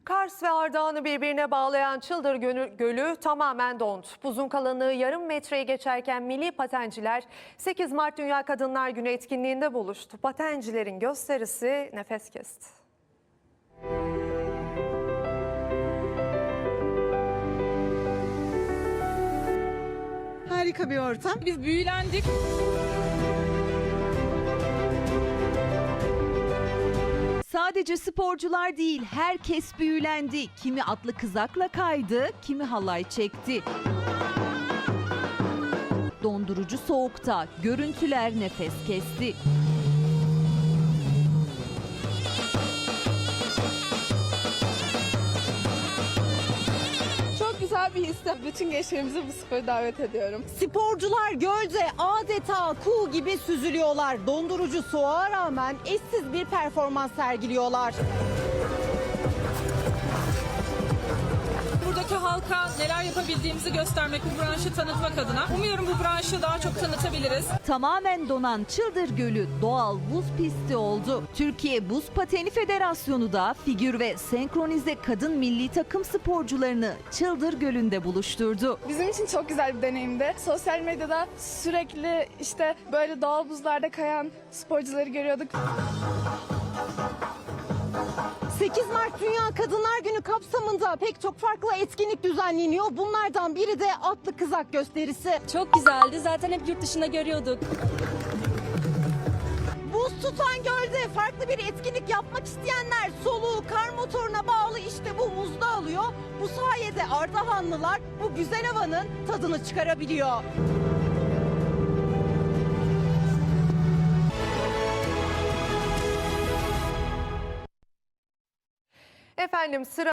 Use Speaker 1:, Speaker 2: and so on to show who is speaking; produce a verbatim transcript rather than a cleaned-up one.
Speaker 1: Kars ve Ardahan'ı birbirine bağlayan Çıldır Gölü, Gölü tamamen dondu. Buzun kalınlığı yarım metreyi geçerken milli patenciler sekiz Mart Dünya Kadınlar Günü etkinliğinde buluştu. Patencilerin gösterisi nefes kesti.
Speaker 2: Harika bir ortam.
Speaker 3: Biz büyülendik.
Speaker 4: Sadece sporcular değil, herkes büyülendi. Kimi atlı kızakla kaydı, kimi halay çekti. Dondurucu soğukta görüntüler nefes kesti.
Speaker 3: Çok güzel bir his. Bütün gençlerimizi bu spora davet ediyorum.
Speaker 2: Sporcular gölde adeta kuğu gibi süzülüyorlar. Dondurucu soğuğa rağmen eşsiz bir performans sergiliyorlar.
Speaker 3: Buradaki halka neler yapabildiğimizi göstermek, bu branşı tanıtmak adına. Umuyorum bu branşı daha çok tanıtabiliriz.
Speaker 4: Tamamen donan Çıldır Gölü doğal buz pisti oldu. Türkiye Buz Pateni Federasyonu da figür ve senkronize kadın milli takım sporcularını Çıldır Gölü'nde buluşturdu.
Speaker 5: Bizim için çok güzel bir deneyimdi. Sosyal medyada sürekli işte böyle doğal buzlarda kayan sporcuları görüyorduk.
Speaker 2: sekiz Mart Dünya Kadınlar Günü kapsamında pek çok farklı etkinlik düzenleniyor. Bunlardan biri de atlı kızak gösterisi.
Speaker 6: Çok güzeldi. Zaten hep yurt dışında görüyorduk.
Speaker 2: Buz tutan gölde farklı bir etkinlik yapmak isteyenler soluğu kar motoruna bağlı işte bu muzda alıyor. Bu sayede Ardahanlılar bu güzel havanın tadını çıkarabiliyor.
Speaker 1: Efendim sıra